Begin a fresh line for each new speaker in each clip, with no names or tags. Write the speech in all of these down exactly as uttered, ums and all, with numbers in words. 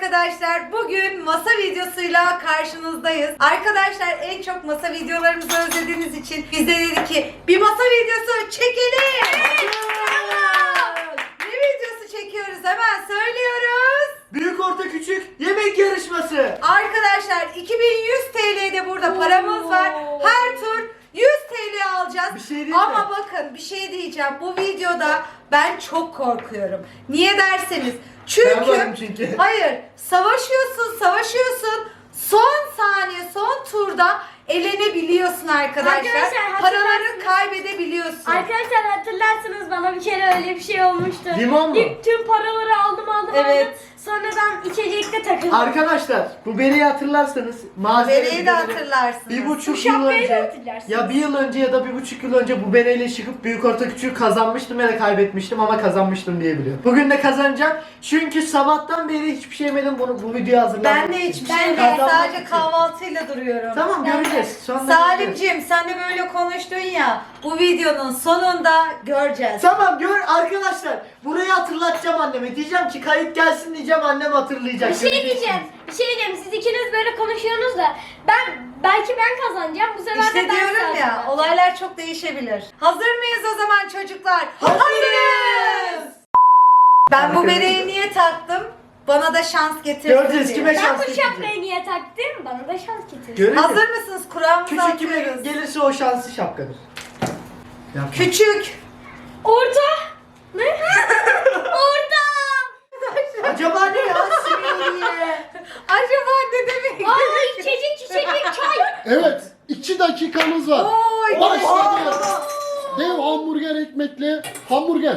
arkadaşlar. Bugün masa videosuyla karşınızdayız. Arkadaşlar en çok masa videolarımızı özlediğiniz için biz de dedik ki bir masa videosu çekelim. Ne videosu çekiyoruz hemen söylüyoruz.
Büyük orta küçük yemek yarışması.
Arkadaşlar iki bin yüz T L'de burada paramız var. Her tur yüz T L alacağız.
Bir şey diyeyim
Ama
mi?
bakın bir şey diyeceğim. Bu videoda ben çok korkuyorum. Niye derseniz çünkü,
Ben varım çünkü.
hayır, savaşıyorsun, savaşıyorsun. Son saniye, son turda elenebiliyorsun arkadaşlar.
Arkadaşlar,
Paraları
hatırlarsınız.
kaybedebiliyorsun.
Arkadaşlar hatırlarsınız bana bir kere öyle bir şey olmuştu.
Limon mu?
İlk tüm paraları aldım aldım
Evet.
aldım. Sonradan içecekte takıldım.
Arkadaşlar bu bereyi hatırlarsanız malzeme
Bereyi de hatırlarsınız.
Bir
Bu
buçuk yıl
şapkayı da
önce
hatırlarsınız.
ya bir yıl önce ya da bir buçuk yıl önce bu bereyle çıkıp büyük orta küçüğü kazanmıştım ya da kaybetmiştim ama kazanmıştım diye biliyorum. Bugün de kazanacağım çünkü sabahtan beri hiçbir şey yemedim bunu bu videoyu hazırlamak
Ben de
için.
hiçbir
Ben
şey
de.
değil.
Kazanmak
Sadece
için.
kahvaltıyla duruyorum.
Tamam
Ben de.
göreceğiz. Sonra göreceğiz.
Salimciğim sen de böyle konuştun ya. Bu videonun sonunda göreceğiz.
Tamam gör arkadaşlar. Burayı hatırlatacağım anneme. Diyeceğim ki kayıt gelsin diyeceğim annem hatırlayacak.
Bir şey
Göreceksiniz.
diyeceğim. Bir şey diyeceğim. Siz ikiniz böyle konuşuyorsunuz da ben belki ben kazanacağım. Bu sefer de
İşte
ben
diyorum ya,
kazanacağım.
olaylar çok değişebilir. Hazır mıyız o zaman çocuklar?
Hazırız.
Ben bu
Arkadaşlar.
bereyi niye taktım? Bana da şans getirsin
Göreceğiz,
diye.
kime
Ben
şans
bu
getirecek.
şapkayı niye taktım? Bana da şans getirdi.
Göreceğiz.
Hazır mısınız? Kur'an'ımızı
Küçük kime
atıyoruz.
gelirse o şanslı şapkadır. Yapma.
Küçük.
Orta. Ne? Orta.
Acaba ne ya? Similiye.
Acaba ne demek?
Aa içecek içecek çay.
Evet, iki dakikamız var.
Oy,
Başladı. Dev hamburger ekmekli hamburger.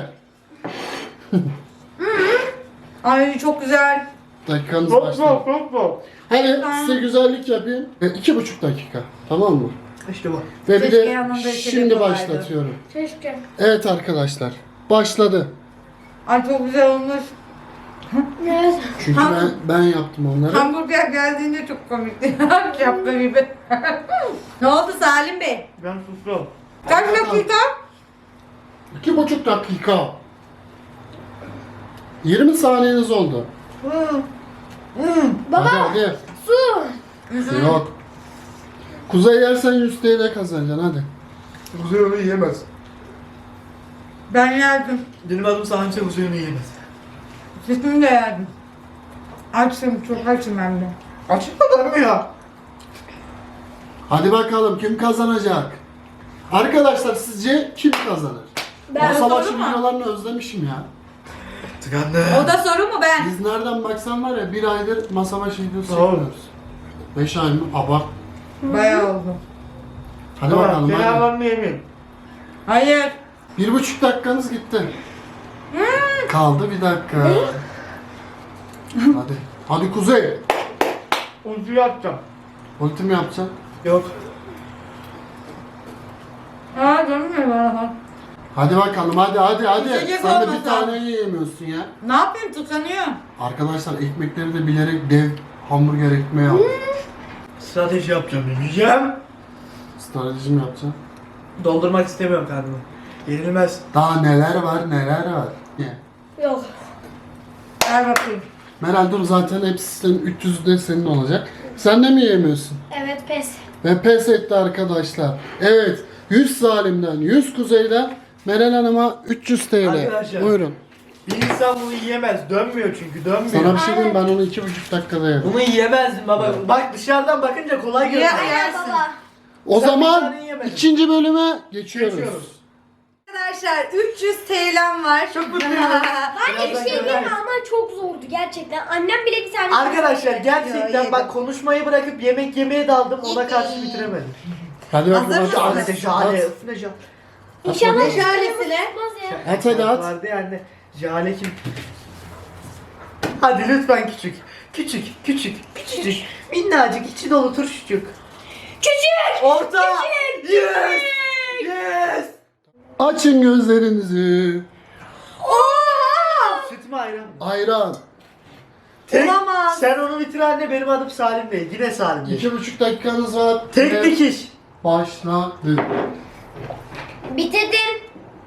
Ay çok güzel.
Dakikanız
Çok
başladı.
çok çok çok.
Hadi size güzellik yapayım. E, iki buçuk dakika, tamam mı?
İşte bu.
Ve bir
Keşke
de
yanında içecek
şimdi
olaydı.
başlatıyorum.
Keşke.
Evet arkadaşlar, başladı.
Ay çok güzel olmuş.
Evet.
Çünkü
Ha.
ben ben yaptım onları.
Hamburger geldiğinde çok komikti. Şapka gibi. Ne oldu Salim Bey?
Ben sustum.
Kaç dakika?
İki buçuk dakika. yirmi saniyeniz oldu.
Hmm. Hmm.
Baba
Hadi hadi.
su.
Yok. Kuzey yersen yüz T L kazanacaksın hadi.
Kuzey onu yiyemez.
Ben yerdim.
Benim adım Sahnçe Kuzey onu yiyemez.
Sütümü de yerdim. Açım, çok açım hem de.
Açık kadar mı ya?
Hadi bakalım kim kazanacak? Arkadaşlar sizce kim kazanır?
Ben
Masa başı
soru mu?
videolarını özlemişim ya.
Tıkandı.
O da soru mu ben?
Biz nereden baksan var ya bir aydır masa başı videosu
Doğru.
çekiyoruz. Beş ay mı? Abart.
Bayağı oldu.
Hadi bakalım
Ben
hadi.
havamı yemeyeyim.
Hayır.
Bir buçuk dakikanız gitti.
Hmm.
Kaldı bir dakika. Hadi. Hadi Kuzey.
Ulti yapacağım.
Ulti mi yapacaksın?
Yok.
Aa dönmüyor bana.
Hadi bakalım hadi hadi hadi.
İçecek
Sen de
olmasa.
bir tane yiyemiyorsun ya.
Ne yapayım, tıkanıyor.
Arkadaşlar ekmekleri de bilerek dev hamburger ekmeği aldım.
Strateji yapacağım. Yiyeceğim.
Strateji mi yapacaksın?
Doldurmak istemiyorum kendimi. Yenilmez.
Daha neler var neler var. Ye.
Yok.
Ver bakayım.
Meral dur zaten hepsi senin üç yüz de senin olacak. Sen de mi yiyemiyorsun?
Evet pes.
Ve pes etti arkadaşlar. Evet yüz Salim'den yüz Kuzey'den Meral Hanım'a üç yüz T L.
Arkadaşlar.
Buyurun.
Bir insan bunu yiyemez. Dönmüyor çünkü dönmüyor.
Sana bir şey diyeyim ben onu iki buçuk dakikada yedim.
Bunu yiyemezdim baba. Bak dışarıdan bakınca kolay
Ya,
görünüyor.
ya. Yersin.
Baba.
O
Sen bir
zaman
tane yiyemedin.
ikinci bölüme geçiyoruz.
Geçiyoruz.
Arkadaşlar üç yüz T L'm var.
Çok mutluyum.
Bence bir şey değil mi
göreceğiz.
ama çok zordu gerçekten. Annem bile bir tane
Arkadaşlar
Yo,
gerçekten
yedim.
bak konuşmayı bırakıp yemek yemeye daldım ona karşı
Yedim.
bitiremedim.
Hadi
Hazır
bakalım.
mısın?
hadi.
Şahane
At.
şahane.
At.
Üstüne şahane.
İnşallah
Ne
hiç
şöylesine?
tutmaz ya.
At hadi at.
Vardı ya anne. Jale kim? Hadi lütfen küçük. Küçük, küçük, küçücük. Minnacık, içi dolu turşucuk.
Küçük.
Orta.
Küçük,
Yes. Yes.
Açın gözlerinizi.
Oha!
Süt mü ayran mı?
Ayran.
Tek,
Olamaz.
sen onu bitir anne, benim adım Salim Bey. Yine Salim Bey.
İki buçuk dakikanız var.
Tek
Ve
dikiş.
başladı.
Bitirdim.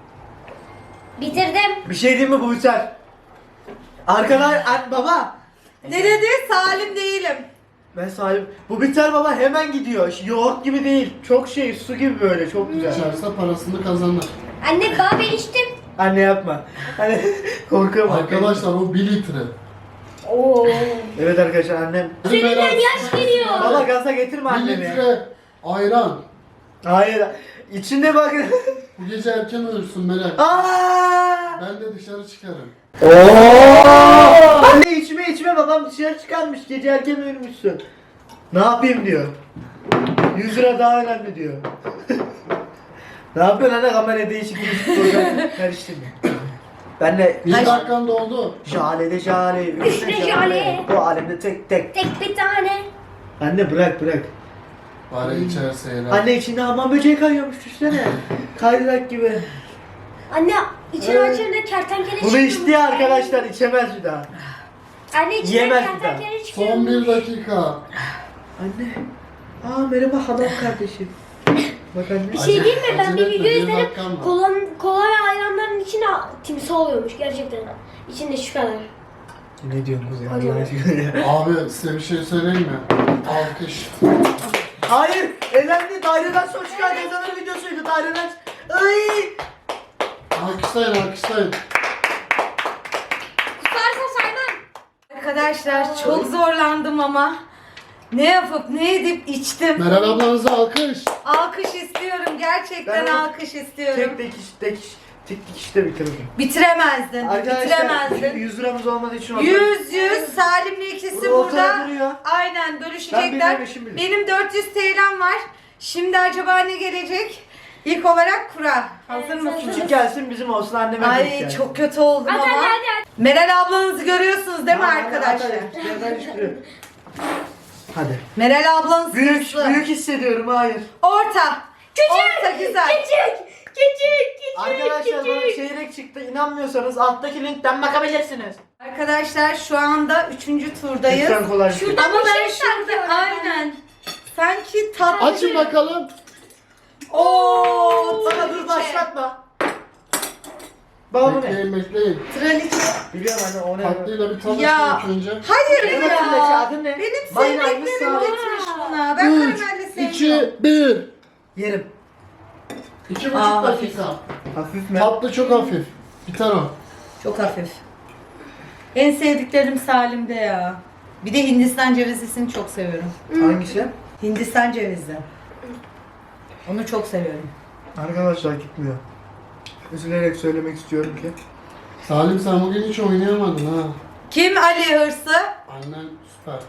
Bitirdim.
Bir şey diyeyim mi, bu biter. Arkadan an, baba.
Ne dedi? Salim değilim.
Ben Salim. Bu biter baba, hemen gidiyor. Yoğurt gibi değil. Çok şey, su gibi böyle, çok güzel.
İçerse parasını kazanır.
Anne daha ben içtim.
Anne yapma. Hani korkuyorum.
Arkadaşlar o bir litre.
Oo.
Evet arkadaşlar, annem.
Seninden yaş geliyor.
Baba gaza getirme
Bir
annemi.
litre ayran.
Hayır. İçinde bak.
Bu gece erken uyursun Melek.
Aa!
Ben de dışarı çıkarım.
Oo! Anne içme içme, babam dışarı çıkarmış. Gece erken uyumuşsun. Ne yapayım diyor. yüz lira daha önemli diyor. Ne yapıyorsun anne, kamera değişik değişik program karıştırma. Ben de
Bir dakikan doldu.
jale de jale,
Üç de jale.
bu alemde tek tek.
Tek bir tane.
Anne bırak bırak.
Bari içerse eğlen.
Anne içinde hamam böceği kayıyormuş, düşsene. Kaydırak gibi.
Anne içini
Evet.
açınca kertenkele
Bunu
çıktı.
içti ya arkadaşlar, içemez bir daha.
Anne içinden
Yiyemez bir daha.
kertenkele çıkıyor.
Son bir dakika.
Anne. Aa merhaba hanım kardeşim. Bak anne.
Bir şey değil mi? Ben
Acele
bir
etme,
video
bir
izledim.
dakikan var.
Kola, kola ve ayranların içine timsah oluyormuş gerçekten. İçinde şu kadar.
Ne diyorsunuz ya
Hocam.
Allah aşkına ya.
Abi size bir şey söyleyeyim mi? Alkış.
Hayır, elendi. Daireden son çıkan yazanın videosuydu. Daireden. Ay!
Alkışlayın alkışlayın.
Kusarsa saymam.
Arkadaşlar çok zorlandım ama ne yapıp ne edip içtim.
Meral ablanıza alkış.
Alkış istiyorum. Gerçekten
Ben o-
alkış istiyorum.
Tek tek iş, tek iş, tek tek işte bitirdim.
Bitiremezdin.
Arkadaşlar
Bitiremezdin.
yüz liramız olmadığı için orada-
yüz yüz Salim'le ikisi
Burada ortada
burada.
duruyor.
Aynen
Ben
bölüşecekler.
bilmem, eşim bilir.
Benim dört yüz T L'm var. Şimdi acaba ne gelecek? İlk olarak kura. Hazır
Evet,
mısınız?
Küçük gelsin bizim olsun, anneme büyük
Ay
gelsin.
çok kötü oldum
Hadi
ama.
hadi hadi.
Meral ablanızı görüyorsunuz değil mi
Hadi, hadi,
arkadaşlar?
hadi, yerden çıkıyor. Hadi.
Meral ablanız
Büyük,
hırslı.
büyük hissediyorum, hayır.
Orta.
Küçük.
Orta güzel.
Küçük. Küçük. Küçük.
Arkadaşlar bana
küçük.
çeyrek çıktı, inanmıyorsanız alttaki linkten bakabilirsiniz.
Arkadaşlar şu anda üçüncü turdayız.
Lütfen kolay bir şey.
Şurada
Ama
bir
ben
şey
şurada
sanki
aynen. Sanki tatlı.
Açın bakalım.
Oo,
Bana dur başlatma. Baba bu ne?
Bekleyin bekleyin.
Traliçe.
Biliyorum anne, o ne?
Tatlıyla bir tanışın
Ya.
ilk önce.
Hayır
Evet,
ya.
evet, adın ne?
Benim
Maymun
sevdiklerim
sağ ol.
gitmiş buna. Ben
üç,
karamelli sevmiyorum.
iki, bir.
Yerim.
İki
Aa,
buçuk dakika.
Hafif mi?
Tatlı çok hafif. Biter o.
Çok hafif. En sevdiklerim Salim'de ya. Bir de Hindistan cevizlisini çok seviyorum.
Hangisi?
Hindistan cevizi. Onu çok seviyorum.
Arkadaşlar gitmiyor. Üzülerek söylemek istiyorum ki.
Salim sen bugün hiç oynayamadın ha.
Kim Ali hırsı?
Annen süper.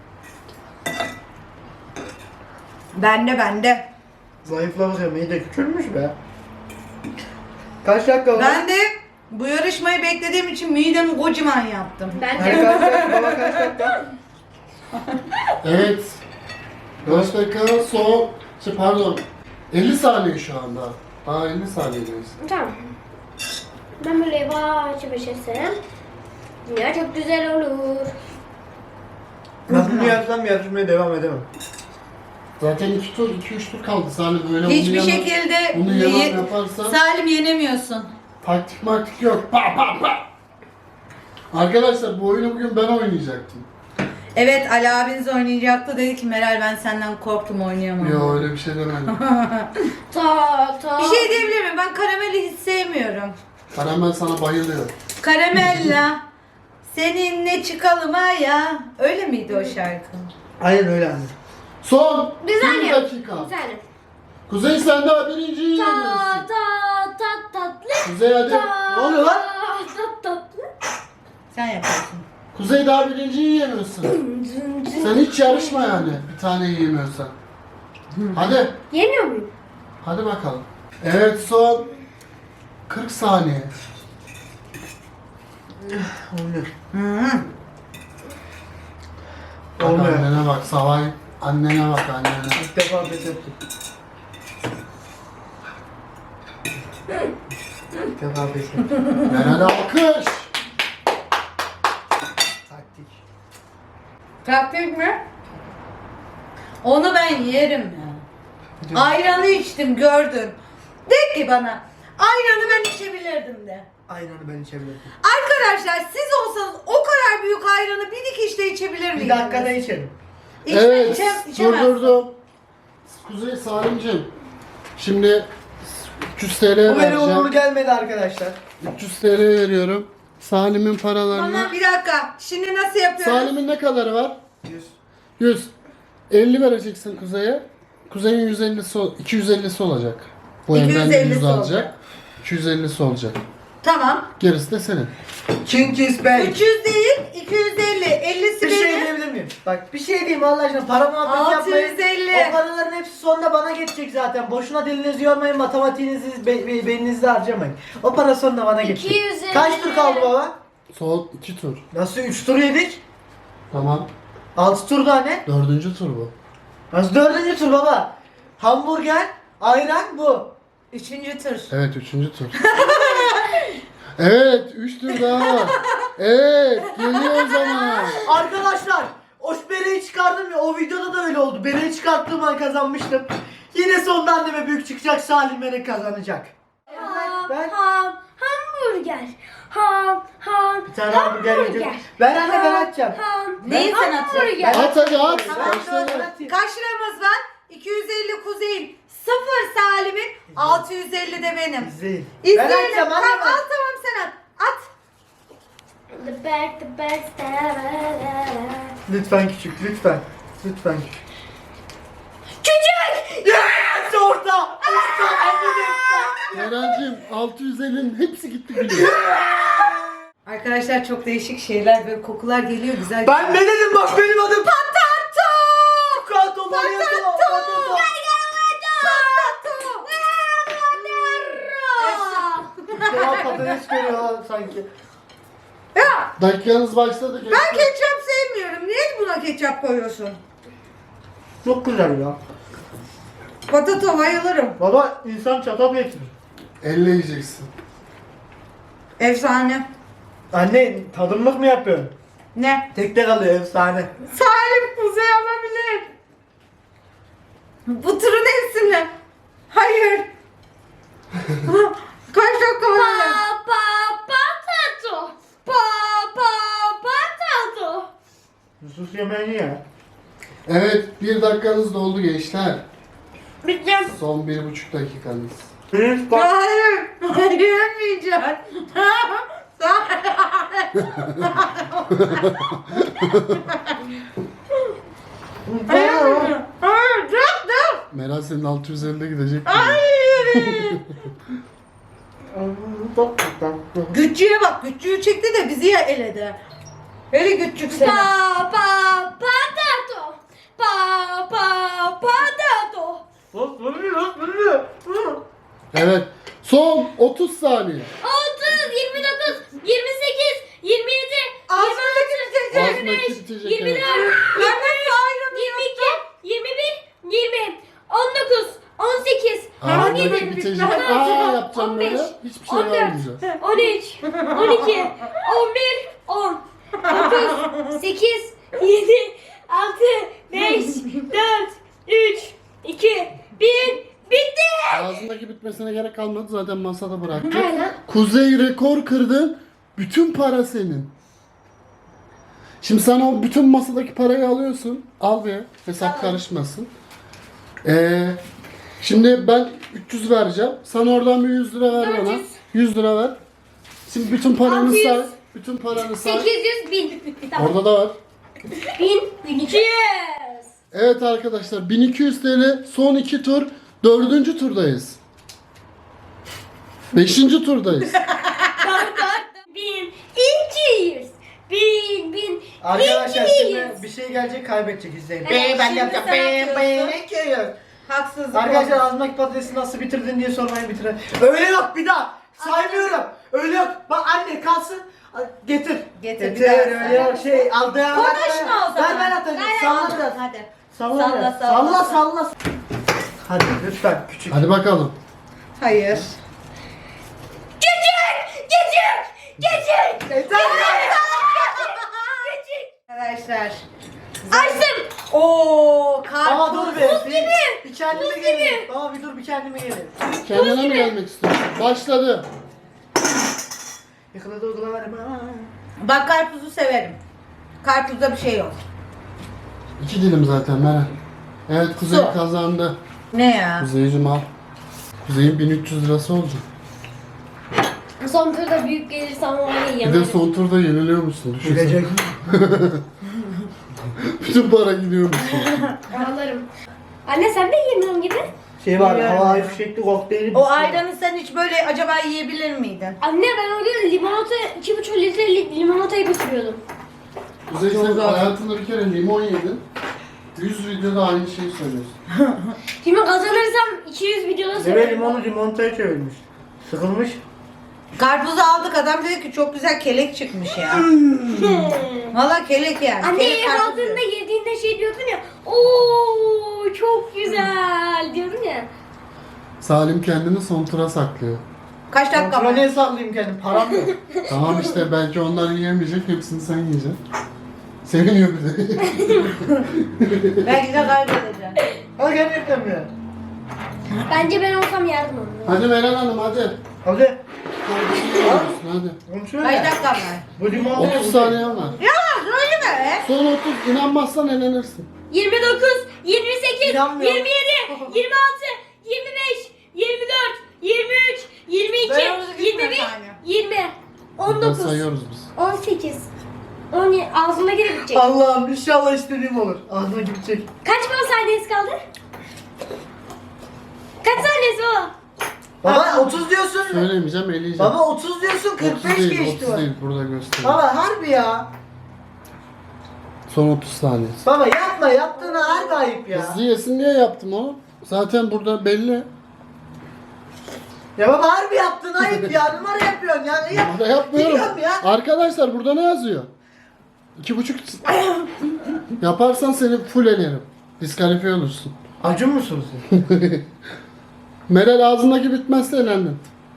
Bende bende.
Zayıflamış ama iyi de küçülmüş be. Kaç dakika oldu?
Ben de bu yarışmayı beklediğim için midemi kocaman yaptım.
Ben
Hani
de.
kaç dakika? Baba kaç dakika?
Evet. Kaç dakika son... Şey, pardon. elli saniye şu anda. Daha elli saniyedeyiz.
Tamam. Ben böyle yavaş yavaş etsem. Dünya çok güzel olur.
Ben bunu yapsam yarışmaya devam edemem.
Zaten iki tur, iki üç tur kaldı Salim. Öyle
Hiçbir
bunu yalan-
şekilde
Bunu yalan
ye-
yaparsan
Salim yenemiyorsun.
taktik maktik yok. Pa pa pa. Arkadaşlar bu oyunu bugün ben oynayacaktım.
Evet Ali abiniz oynayacaktı, dedi ki Meral ben senden korktum oynayamam.
Yo öyle bir şey demedim.
Ta ta.
Bir şey diyebilir miyim? Ben karameli hiç sevmiyorum.
Karamel sana bayılıyor.
Karamella seninle çıkalım ha ya. Öyle miydi o şarkı?
Aynen öyle anne.
Son
Bir
bir
saniye.
dakika.
Bir saniye.
Kuzey sen daha birinciyi
Ta
yeniyorsun.
ta ta tatlı.
Kuzey hadi.
Ta,
Ne oluyor lan?
ta, tatlı.
Sen yaparsın.
Kuzey daha birinciyi yemiyorsun. Sen hiç yarışma yani bir tane yiyemiyorsan. Hadi.
Yemiyor muyum?
Hadi bakalım. Evet son kırk saniye.
Olmuyor.
Hı.
Bak
Olmuyor.
annene bak Savay. Annene bak annene.
İlk defa pes ettim. İlk defa pes ettim.
Meral alkış.
Taktik.
Taktik mi? Onu ben yerim ya. Ayranı içtim gördün. De ki bana ayranı ben içebilirdim de.
Aynen ben içebilirim.
Arkadaşlar siz olsanız o kadar büyük ayranı bir dikişte
dakikada içerim.
İçme,
Evet,
içe, içemezsin.
durdurdum. Kuzey Salimciğim. Şimdi üç yüz T L
Bu benim uğurlu
vereceğim.
gelmedi arkadaşlar.
üç yüz T L veriyorum. Salim'in paralarını.
Tamam bir dakika. Şimdi nasıl yapıyoruz?
Salim'in ne kadarı var?
yüz.
yüz. elli vereceksin Kuzey'e. Kuzey'in yüz ellisi, ol- iki yüz ellisi olacak. Bu
iki yüz
evden de
ellisi
yüz
olacak.
alacak. iki yüz ellisi olacak.
Tamam.
Gerisi de senin.
Çingiz Bey.
üç yüz değil, iki yüz elli. ellisi
Bir şey
benim.
diyebilir miyim? Bak bir şey diyeyim Allah aşkına. Para muhabbeti yapmayın.
altı yüz elli.
O paraların hepsi sonunda bana geçecek zaten. Boşuna dilinizi yormayın. Matematiğinizi, be, be, beyninizi de harcamayın. O para sonunda bana geçecek.
iki yüz elli.
Kaç tur kaldı baba?
Son iki tur.
Nasıl üç tur yedik?
Tamam.
altı tur daha ne?
Dördüncü tur bu.
Nasıl dördüncü tur baba? Hamburger, ayran bu.
Üçüncü tur.
Evet, üçüncü tur. Evet, üç tur daha var. Evet, geliyor o zaman.
Arkadaşlar o bereyi çıkardım ya, o videoda da öyle oldu. Bereyi çıkarttığım an kazanmıştım. Yine sonunda anneme büyük çıkacak, Salim beni kazanacak.
Ham,
Ben-
ham, hamburger. Ham, ham,
Bir tane hamburger yiyeceğim. Ben anne ben açacağım.
ham,
Neyi sen atacaksın?
hamburger.
At hadi at.
Ben
Başla.
ben atayım.
Kaç liramız var? iki yüz elli Kuzey'in, sıfır Salim'in, altı yüz elli de benim.
İzleyin. Ben
İzleyelim.
açacağım
Tamam
anne
al
ben.
tamam sen at. At.
The back, the back,
Lütfen küçük, lütfen. Lütfen küçük.
Çocuk!
Yes! Orta! Orta! Anne
Eren'cim altı yüz ellinin hepsi gitti biliyor.
Arkadaşlar çok değişik şeyler böyle kokular geliyor güzel.
Ben ne dedim bak, benim adım
Patato!
Patato! Patato! Patato! Cevap patates görüyor sanki.
Ya
Dakikanız başladı.
ben
gençler.
ketçap sevmiyorum. Niye buna ketçap koyuyorsun?
Çok güzel ya.
Patato bayılırım.
Baba insan çatal getirir.
Elle yiyeceksin.
Efsane.
Anne tadımlık mı yapıyorsun?
Ne?
Tekte kalıyor efsane.
Salim Kuzey alabilir. Bu turun hepsini. Hayır. Kaç dakika var?
Pa, pa, patato. Pa, pa, patato.
Sus yemeğini ya.
Evet, bir dakikanız doldu gençler.
Biteceğim.
Son bir buçuk dakikanız.
Pirinç bak.
Hayır. Hayır yemeyeceğim. Hayır. Hayır. Dur dur.
Meral senin altı yüz ellide gidecek.
Hayır. Güççüye bak. Güççüyü çekti de bizi ya eledi. Hele güççük seni.
Pa, pa, patato. Pa, pa, patato.
Evet, son otuz saniye.
otuz, yirmi dokuz, yirmi sekiz, yirmi yedi,
Ağzımdaki bitecek.
Ağzındaki bitecek.
yirmi
Evet.
dört,
Ben nasıl ayrıldım?
yirmi iki, yirmi bir, yirmi, on dokuz, on sekiz, on
Ağzındaki
yedi,
bitecek.
on
Aa
altı,
yapacağım
on beş,
böyle. Hiçbir şey
on dört,
vermeyeceğiz.
on üç, on iki, on bir, on, dokuz, sekiz, yedi, altı, beş, dört, üç, iki, bir, bitti.
Ağzındaki bitmesine gerek kalmadı, zaten masada bıraktı.
Aynen.
Kuzey rekor kırdın. Bütün para senin. Şimdi sen o bütün masadaki parayı alıyorsun. Al be. Hesap karışmasın. Ee, şimdi ben üç yüz vereceğim. Sen oradan bir yüz lira ver bana.
dört yüz.
yüz lira ver. Şimdi bütün paranı
altı yüz.
say. Bütün paranı say.
sekiz yüz, bin. Tamam.
Orada da var.
bin, bin iki yüz.
Evet arkadaşlar, bin iki yüz T L son iki tur. Dördüncü turdayız. Beşinci turdayız.
bin iki yüz. Bin, bin,
Arkadaşlar
iki
şimdi
yüz.
bir şey gelecek, kaybedecek, izleyin.
Evet,
Be ben
şimdi
yapacağım.
sen
Be
atıyorsun.
be ne köyü?
Haksızlık
Arkadaşlar
oldu.
ağzımdaki patatesi nasıl bitirdin diye sormayın, bitirin. Öyle yok, bir daha saymıyorum. Öyle yok. Bak anne kalsın. Getir.
Getir, bir
Getir.
daha
Öyle yok şey aldı.
Konuşma o zaman.
Ver ben atacağım.
Ver,
Salla
al.
biraz.
Hadi.
Salla
Salla,
biraz.
salla,
Salla salla. Hadi lütfen küçük.
Hadi bakalım.
Hayır.
Gecik, gecik, gecik.
Yeter.
Gecik.
Arkadaşlar.
Açtım.
Oo, karpuz.
Baba dur be.
Buz
Bir,
gibi.
bir kendime
Buz
gelin.
gibi.
Baba bir dur, bir kendime gelin.
Kendine mi gelmek istiyorsun? Başladı.
Yakaladı uygulama.
Bak karpuzu severim. Karpuzda bir şey yok.
İki dilim zaten Meral. Evet Kuzey
Su.
kazandı.
Ne ya?
Kuzey'cim al. Kuzey'in bin üç yüz lirası olacak.
Son turda büyük gelirse ama onu
Bir de
yiyemem.
son turda yeniliyor musun? Düşünsene.
Gidecek.
Bütün para gidiyor musun?
Alırım. Anne sen de yemiyorsun gibi.
Şey var,
Yani.
havai fişekli kokteyli.
O ayranı sen hiç böyle acaba yiyebilir miydin?
Anne ben o gün limonata, iki buçuk litrelik limonatayı bitiriyordum.
Kuzey
Çok
sen
güzel.
hayatında bir kere limon yedin. yüz videoda aynı şeyi söylüyorsun.
Şimdi kazanırsam iki yüz videoda
Deve
söylerim.
limonu limonataya çevirmiş. Sıkılmış.
Karpuzu aldık, adam dedi ki çok güzel kelek çıkmış ya. Valla kelek yani.
Anne
Kelek
ev
karpuz
aldığında
diyor.
yediğinde şey diyordun ya. Ooo çok güzel diyordun ya.
Salim kendini son tura saklıyor.
Kaç dakika
Kontrolü
var?
ne sallayayım kendim? Param yok.
Tamam işte belki onlar yiyemeyecek, hepsini sen yiyeceksin. Seviniyor bir de.
Belki de kaybedeceğim.
Hadi gerçekten mi ya?
Bence ben olsam yardım olurum.
Hadi Meral Hanım hadi.
Hadi.
Hadi.
Konuşuyor
Kaç
ya.
dakika var?
Bu limon
otuz saniyen var.
Ya söyleme.
Son otuz, inanmazsan elenirsin.
yirmi dokuz, yirmi sekiz,
İnanmıyorum.
yirmi yedi, yirmi altı, yirmi beş, yirmi dört, yirmi üç, yirmi
Ben
iki,
onu gitme
yirmi bir,
tane.
yirmi, on
Burada
dokuz,
sayıyoruz biz.
on sekiz, on yedi, ağzıma girip bitecek.
Allah'ım inşallah istediğim olur. Ağzına gidecek.
Kaç baba saniyesi kaldı? Kaç saniyesi baba?
Baba otuz diyorsun.
Söylemeyeceğim, eleyeceğim.
Baba otuz diyorsun, kırk
otuz
beş
değil,
geçti
otuz
o.
değil, burada gösteriyor.
Baba harbi ya.
Son otuz saniye.
Baba yapma, yaptığına harbi ayıp ya.
Hızlı yesin diye yaptım onu. Zaten burada belli.
Ya baba harbi yaptığın ayıp ya. Numara yapıyorsun ya. Ne yap?
Burada yapmıyorum.
Biliyorum ya.
Arkadaşlar burada ne yazıyor? İki buçuk. Yaparsan seni full elerim. Diskalifiye olursun.
Acun musunuz siz?
Meral ağzındaki bitmezse elendin.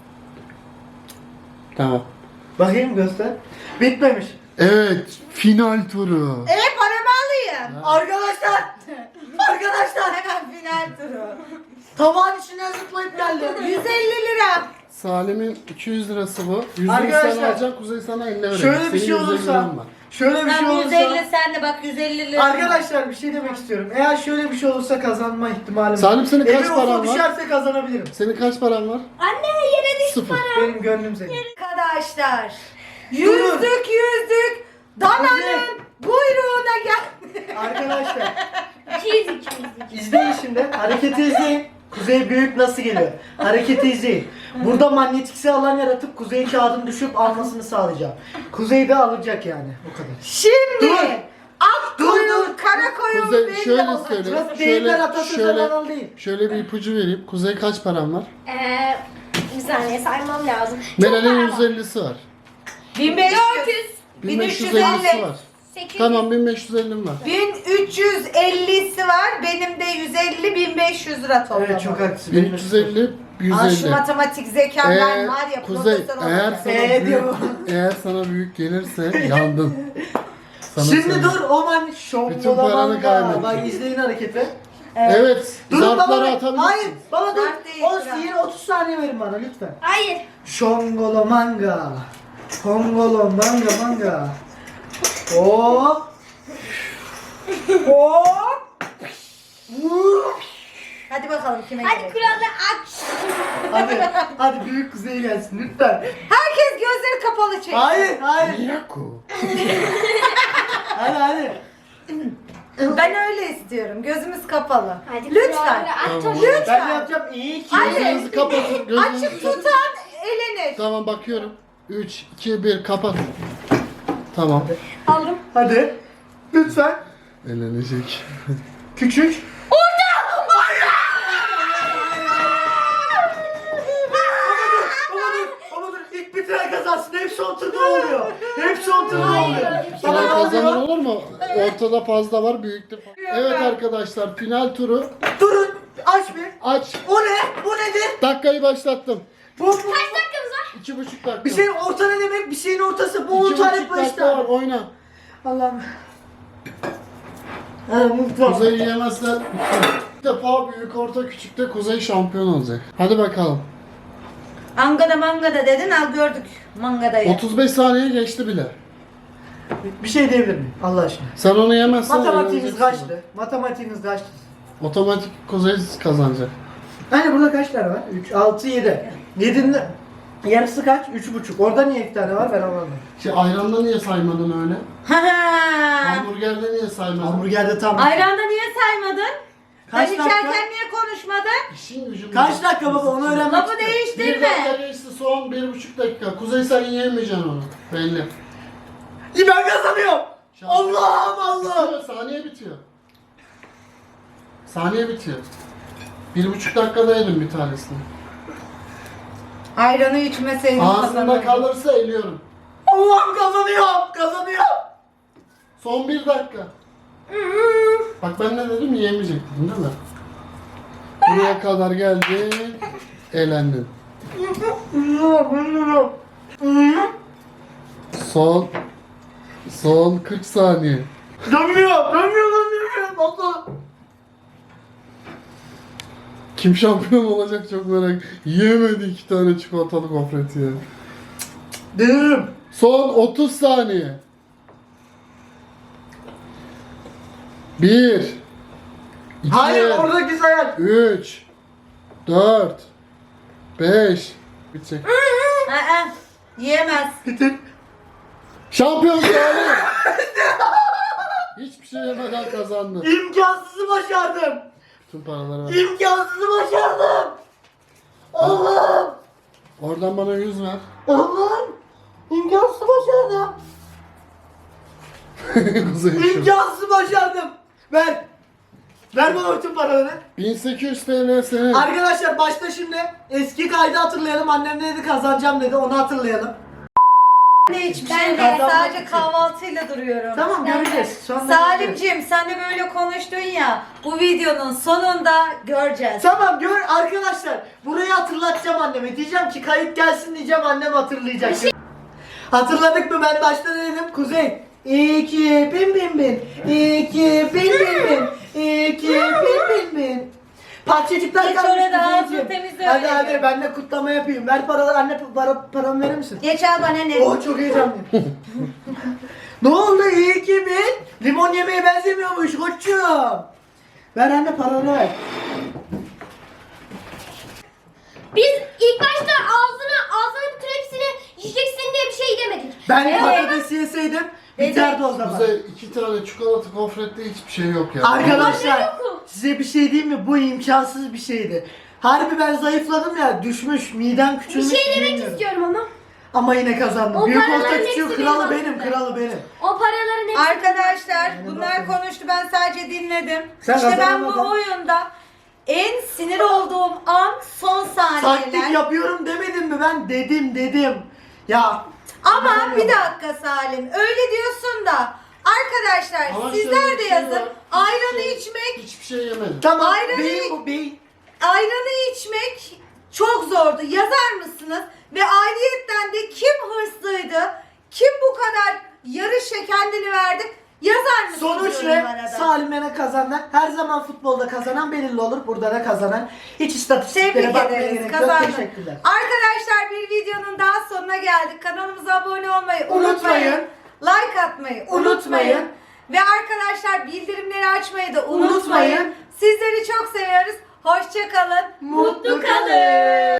Tamam.
Bakayım göster. Bitmemiş.
Evet, final turu.
E paramı alayım.
Arkadaşlar. Arkadaşlar.
Hemen final turu.
Tabağın içinden zıplayıp geldi.
yüz elli lira.
Salim'in iki yüz lirası bu. yüz lirası
Arkadaşlar,
sen alacaksın, Kuzey sana eline verecek.
Şöyle bir
Senin
şey
yüz elli
olursa.
liran var.
Şöyle bir şey
Tam yüz elli
olursa.
sen de bak yüz elli lira.
Arkadaşlar bir şey demek istiyorum. Eğer şöyle bir şey olursa kazanma ihtimalim
Salim, senin kaç
Emin
paran
ufuk
var?
düşerse kazanabilirim.
Senin kaç paran var?
Anne yere düştü
Sıfır.
para.
Benim gönlüm senin.
Arkadaşlar. Yüzdük yüzdük. Dananın buyruğuna geldi.
Arkadaşlar
iki yüz, iki yüz.
izleyin şimdi. Hareketi izleyin. Kuzey büyük nasıl geliyor? Hareketi izleyin. Burada manyetikse alan yaratıp Kuzey kağıdın düşüp almasını sağlayacağım. Kuzey de alacak yani. O kadar.
Şimdi
Dur.
ak
Dur,
koyun,
dur.
kara koyun
Kuzey
belli
şöyle
olacak.
söyle.
Burası deyimler
Şöyle,
atasözü
şöyle,
falan değil.
şöyle bir ipucu vereyim. Kuzey kaç paran var?
Eee bir saniye saymam lazım. Çok
Meral'in
para
yüz
var.
ellisi var.
bin beş
dört
yüz.
yüz,
bin beş yüz
bin üç yüz
ellisi
elli.
var.
sekiz yüz.
Tamam, bin beş yüz ellim var.
bin üç yüz ellisi var. Benim de yüz elli, bin beş yüz lira toplamı.
Evet çok haklısın.
bin üç yüz elli, yüz
Aa, şu
elli.
matematik zekam ben
Ee,
var ya
Kuzey,
profesör
eğer
olacağım.
sana
Ee,
büyük,
diyor.
eğer sana büyük gelirse yandın. Sana
Şimdi
söyleyeyim.
dur o man
Bütün
şombolaman
paranı
da.
kaybettin.
Bak izleyin hareketi.
Evet,
Durun
zarfları
baba.
atabilirsin.
Hayır baba dur.
Zart değil,
O
zart.
yine otuz saniye verin bana lütfen.
Hayır.
Şongolo manga. Kongolo manga manga. Hop. Hop. Vuh.
Hadi bakalım kime
Hadi
gelecek.
kuralları aç.
Hadi hadi büyük kuzey gelsin lütfen.
Herkes gözleri kapalı çeksin.
Hayır hayır.
Yaku.
Hadi hadi.
Ben öyle istiyorum. Gözümüz kapalı.
Hadi
Lütfen.
kuralları aç.
Tamam.
Lütfen.
Ben yapacağım iyi ki.
Hadi.
Gözünüzü kapatın. Gözünüzü
Açık
kapatın.
tutan elenir.
Tamam, bakıyorum. üç, iki, bir, kapat. Tamam.
Aldım.
Hadi. Lütfen.
Elenecek.
Küçük. Baba dur, baba dur. İlk bitiren kazansın. Hep son turda oluyor. Hep son turda oluyor.
Final
Baba ne
kazanan
oluyor?
olur mu? Ortada fazla var, büyükte fazla. Evet arkadaşlar, final turu.
Durun. Aç bir.
Aç.
O ne? Bu nedir?
Dakikayı başlattım.
Bu, bu.
Kaç dakikamız var?
İki buçuk dakika.
Bir şeyin orta ne demek? Bir şeyin ortası. Bu on
İki
tane
buçuk
beş
dakika var,
tane.
oyna.
Allah'ım. Ha, mutlu.
Kuzey yiyemezsen bir defa büyük, orta, küçükte Kuzey şampiyon olacak. Hadi bakalım.
Angada mangada dedin al gördük. Mangadayı.
otuz beş saniye geçti bile.
Bir şey diyebilir miyim Allah aşkına?
Sen onu yemezsen
Matematiğiniz
eğleneceksin.
kaçtı? Matematiğiniz kaçtı?
Otomatik Kuzey kazanacak.
Hani burada kaç tane var? üç, altı, yedi. yedinin yarısı kaç? üç buçuk. Orada niye iki tane var ben anlamadım.
Şey ayranda niye saymadın öyle?
Ha.
Hamburgerde niye saymadın?
Hamburgerde tam.
Ayranda niye saymadın?
Kaç
Sen
dakika?
içerken niye konuşmadın?
İşin gücün.
Kaç dakika baba onu öğrenmek
Lafı
istiyorum.
Bir dakika
değiştirme.
geçti, son bir buçuk dakika. Kuzey sen yiyemeyeceksin onu. Belli.
İyi ben kazanıyorum.
Şans.
Allah'ım Allah'ım.
Bitiyor, saniye bitiyor. Saniye bitiyor. Bir buçuk dakikada yedim bir tanesini.
Ayranı içmeseydin
Ağzında
kazanırdın.
kalırsa eliyorum.
Allah'ım kazanıyorum. Kazanıyorum.
Son bir dakika. Bak ben ne dedim yiyemeyecek dedim değil mi? Buraya kadar geldin. Eğlendin. Son Son kırk saniye.
Dönmüyor. Dönmüyor. Dönmüyor. Allah.
Kim şampiyon olacak çok merak. Yiyemedi iki tane çikolatalı gofret ya.
Dönüyorum.
Son otuz saniye. bir iki
Hayır oradaki sayar.
üç dört beş Bitecek.
Aa, yiyemez.
Bitir.
Şampiyon Salih. Hiçbir şey yemeden kazandı.
İmkansızı başardım.
Tüm paraları ver.
İmkansızı başardım. Allah'ım.
Oradan bana yüz ver.
Allah'ım. İmkansızı başardım.
Kuzey şu.
İmkansızı başardım. Ver. Ver bana bütün paraları.
bin sekiz yüz T L senin.
Arkadaşlar başta şimdi eski kaydı hatırlayalım. Annem ne dedi kazanacağım dedi onu hatırlayalım.
Ne hiçbir
Ben
şey
de.
değil.
Kazanmak
Sadece
için.
kahvaltıyla duruyorum.
Tamam göreceğiz. Şu anda göreceğiz.
Salimciğim sen de böyle konuştun ya. Bu videonun sonunda göreceğiz.
Tamam gör arkadaşlar. Burayı hatırlatacağım anneme. Diyeceğim ki kayıt gelsin diyeceğim annem hatırlayacak. Hatırladık mı ben başta ne dedim? Kuzey. İki bin bin bin. İki bin bin bin. İki bin bin bin. Parçacıklar
Geç
kalmış
orada,
Kuzeyciğim.
ağzını temizle
Hadi
öyle
hadi
gör.
ben de kutlama yapayım. Ver paraları anne para, paramı verir misin?
Geç al bana ne?
Oh çok heyecanlıyım. Ne oldu iyi ki bin? Limon yemeye benzemiyormuş koçum. Ver anne paranı ver.
Biz ilk başta ağzına ağzına bütün hepsini yiyeceksin diye bir şey demedik.
Ben
Evet.
patatesi yeseydim biterdi o zaman.
Kuzey iki tane çikolata gofrette hiçbir şey yok ya.
Arkadaşlar
Yok mu?
size bir şey diyeyim mi? Bu imkansız bir şeydi. Harbi ben zayıfladım ya düşmüş midem
Bir
küçülmüş.
şey demek
bilmiyorum.
istiyorum ama.
Ama yine kazandım.
O
Büyük
paraların
orta
hepsi
küçüğü
benim
kralı benim
aslında.
kralı benim.
O paraların hepsi.
Arkadaşlar
Yani
bunlar
bakın.
konuştu ben sadece dinledim.
Sen
işte ben bu
kazanamadın.
oyunda en sinir olduğum an son saniyeler.
Taktik yapıyorum demedim mi ben? Dedim dedim. Ya.
Ama
inanamıyorum.
bir dakika Salim öyle diyorsun da arkadaşlar
Ama şöyle
sizler
bir
de
şey
yazın
var.
ayranı
Hiçbir şey-
içmek
Hiçbir şey yemedim.
Tamam
Ayranı-
beyin bu beyin.
ayranı içmek çok zordu yazar mısınız? Ve ayrıyetten de kim hırslıydı? Kim bu kadar yarışa kendini verdi? Yazar mısınız
Sonuç ne?
yorumlara da?
Salim'e kazanan, her zaman futbolda kazanan belirli olur. Burada da kazanan. Hiç istatistiklere
Tebrik
bakmaya
ederiz.
gerek yok.
Kazandın.
Teşekkürler.
Arkadaşlar bir videonun daha sonuna geldik. Kanalımıza abone olmayı unutmayın.
Unutmayın.
Like atmayı unutmayın.
Unutmayın.
Ve arkadaşlar bildirimleri açmayı da unutmayın.
Unutmayın.
Sizleri çok seviyoruz. Hoşça kalın.
Mutlu kalın.